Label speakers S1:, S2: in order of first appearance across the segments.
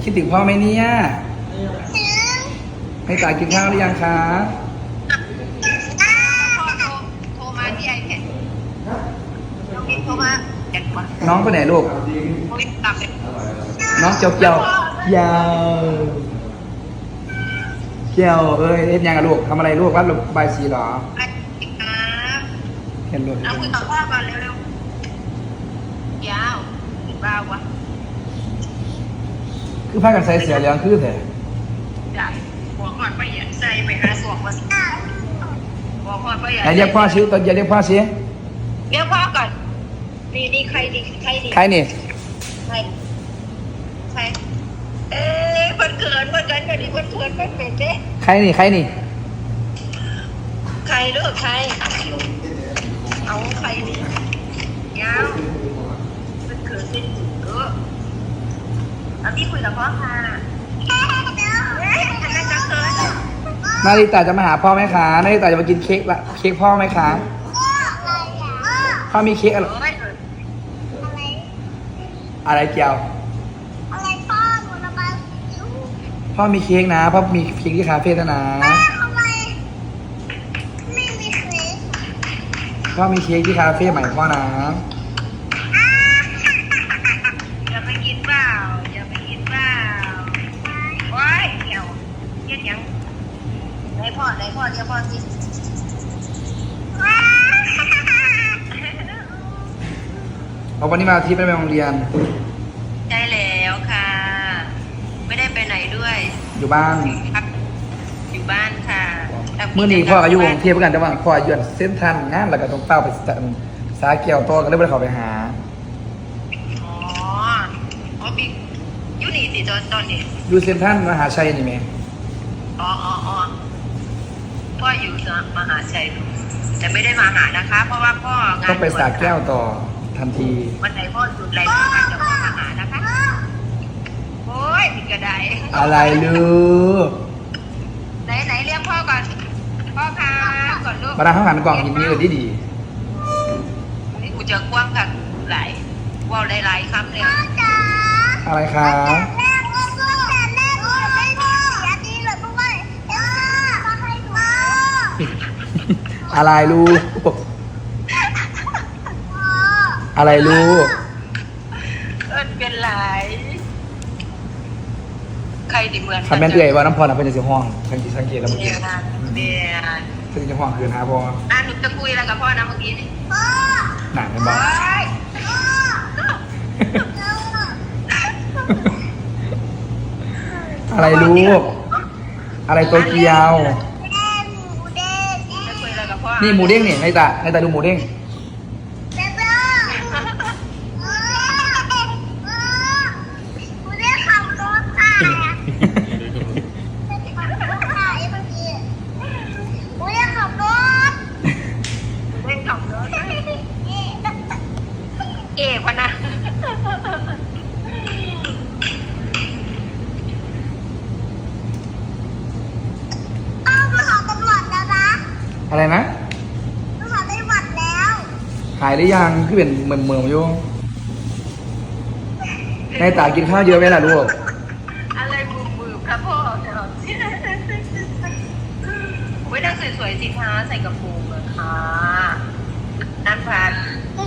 S1: คิดถึงพ่อไหมเนี่ยให้ตากินข้าวหรือยังคะ
S2: โทรมาที่ไอแพดน้องกิ๊กโทรมาแกะก่อน
S1: น้องไปไหนลูก
S2: โอ้ยตับเลย
S1: น้องเจียวเจียวยาวเจียวเอ้ยเอ็ดยังอะลูกทำอะไรลูกวัดใบายสีเหรอ
S2: ไอติ๊กนะ
S1: เห็นลูก
S2: เอาคุยกับพ่อก่อนเร็วๆยาวหรือเปล่าวะ
S1: คือพากันใส่เสียเหลืองคือแต่
S2: ได้หัวก่อนไปเหยียดใจไปหาสวกมาหัวก่อนไปเหยียด
S1: ไหนเรียกพ่อชี้ตอนเย็นเรียกพ่อชี้
S2: เรียกพ่อก่อนนี่ใครดีใครดี
S1: ใครนี่
S2: ใครเอ๊ะมันเกินกันดิมันเกินมันเป็นเด้
S1: ใครนี่ใครนี่
S2: ใครเลือกใครเอาใครดิยาวมันเกินเป็นจุดเยอะเอาที่คุยกับพ่อค่ะอันนั้นจะเกิน
S1: นาริตาจะมาหาพ่อไหมคะนาริตาจะมากินเค้กละเค้กพ่อไหมคะพ่อมีเค้กอะไร อะไรเกี่ยว
S3: อะไรพ่อหนูระบายสิว
S1: พ่อมีเค้กนะพ่อมีเค้กที่คาเฟ่นะ
S3: แม่ทำไมไม่มีเค้ก
S1: พ่อมีเค้กที่คาเฟ่ใหม่พ่อนะ
S2: อย่าไปกินเปล่าอย่าไปกินเปล่าโอ้ยเดี๋ยวเย็นยังไหนพ่อเดี๋ยวพ่อสิ
S1: เอาวันนี้มาที่ไปโรงเรียน
S2: ได้แล้วค่ะ ไม่ได้ไปไหนด้วย
S1: อยู่บ้าน
S2: อยู่บ้านค่ะ
S1: เมื่อนี้พ่ออายุวงเทียบกันแต่ว่าพ่ออายุเส้นทันงานแล้วก็ต้องเป้าไปสาเกี่ยวโตก็เลยไม่ได้เข้าไปหา
S2: อ๋อบิ๊กยูนี่สิตอนนี้
S1: อยู่เส้นทันมหาชัยนี่ไหม
S2: อ๋อพ่ออยู่มหาชัยแต่ไม่ได้มาหานะคะ เพราะว่าพ่องาน
S1: ต้องไปสาแก้วต่อทันที
S2: วันไหนพ่อหยุดอะไรนะคะจะพ่อมาหานะคะโอ้ยผิดกระได
S1: อะไรลูก
S2: ไหนเรียกพ่อก่อนพ่อค่ะก่อนลูก
S1: มาดามข้างหันกล่องยินดีเลยดี
S2: นี่กูจะกว้างค่ะหลายว่าวหลายๆคำเลย
S3: พ่อจ๋า
S1: อะไรคะ
S3: แม่ก็พ่อแต่แม่ก็ไม่มีเสียดีเลยเพราะว่าเอ็มมาให้หนู
S1: อะไรลูก
S3: พ่อ
S1: อะไรลูก
S2: เป็นไรใครดิเหมือน
S1: คำแม่นเอื่อยว่าน้ำพรนะเป็นจะห้องสังเกตแล้วเมื่อ
S2: เดี
S1: กี้
S2: ยวนะเดียว
S1: เป็นจะห้องคืนหาพอ
S2: หนูจะคุยอะไรกับพ่อนะเมื่อกี้นี่
S3: พ่อ
S1: หนักเป็นบ้า
S3: พ่อ
S1: อะไรลูก อะไรตัวเกียว
S3: แม่หมูเด้ง
S2: จะคุยอะไรกับพ่อ
S1: นี่หมูเด้งนี่ในตาดูหมูเด้ง
S3: เบ๊บ้าหมูเด้งขับรถค่ะขับรถค่ะไอ้เมื่อกี้หมูเด้งขับรถ
S2: เล่นขับรถเอกวะนะ
S3: อ้าวมาหาตำรวจแล้วนะ
S1: อะไรนะ
S3: มาหาตำรวจแล้ว
S1: หายหรือยังคือเป็นเหมือนอยู่ในตากินข้าวเยอะไหมล่ะลูก
S2: อะไรมือครับพ่อเดี๋ยวไม่ได้สวยๆสิคะใส่กระโปรงอะค่ะนั่นพัน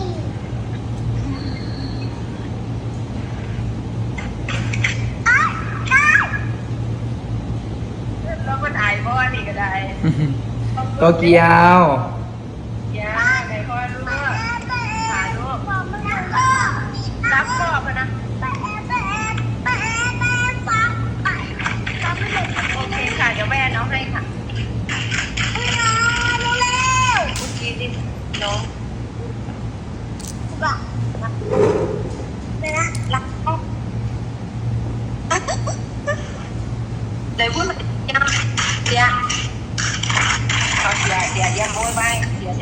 S2: แล้วมันอายพ่อนี่ก็ได้
S1: ตัวเกียว
S2: ยาไหนพ่อรู้ถ่ายรูปรับพ่อมานะโอเคค่ะเดี๋ยวแม่น้องให้ค่ะเมื่อกี้นี่น้องเดี๋ยวพูดยังเดี๋ยวยังโม้ไปเดี๋ยว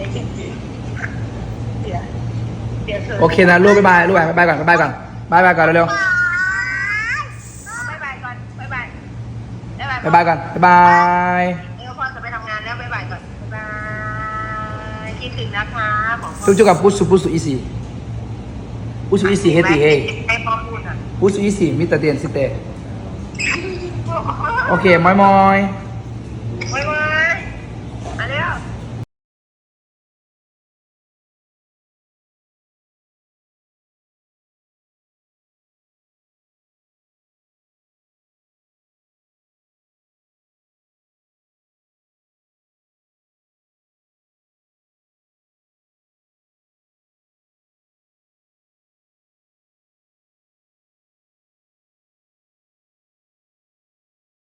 S1: โอเคนะลูกบ๊ายบายลูกบ๊ายบายก่อนบ๊ายบายก่อนบ๊ายบายก่อนเร็ว
S2: บ๊ายบายก่อนบ๊ายบาย
S1: ๆบ๊ายบายก่อนบ๊ายบาย
S2: เดี๋ยวพ่อจะไปทำงานแล้วบ๊ายบายก่อนบ๊ายบายคิดถึงนะคะของพ่อ
S1: จุ๊บกับปุสุอีซีปุสุอีซีเฮติเฮ
S2: ให้พ่อพูดอ่ะ
S1: ปุสุอีซีมิตรเตียนสิเตโอเคมอย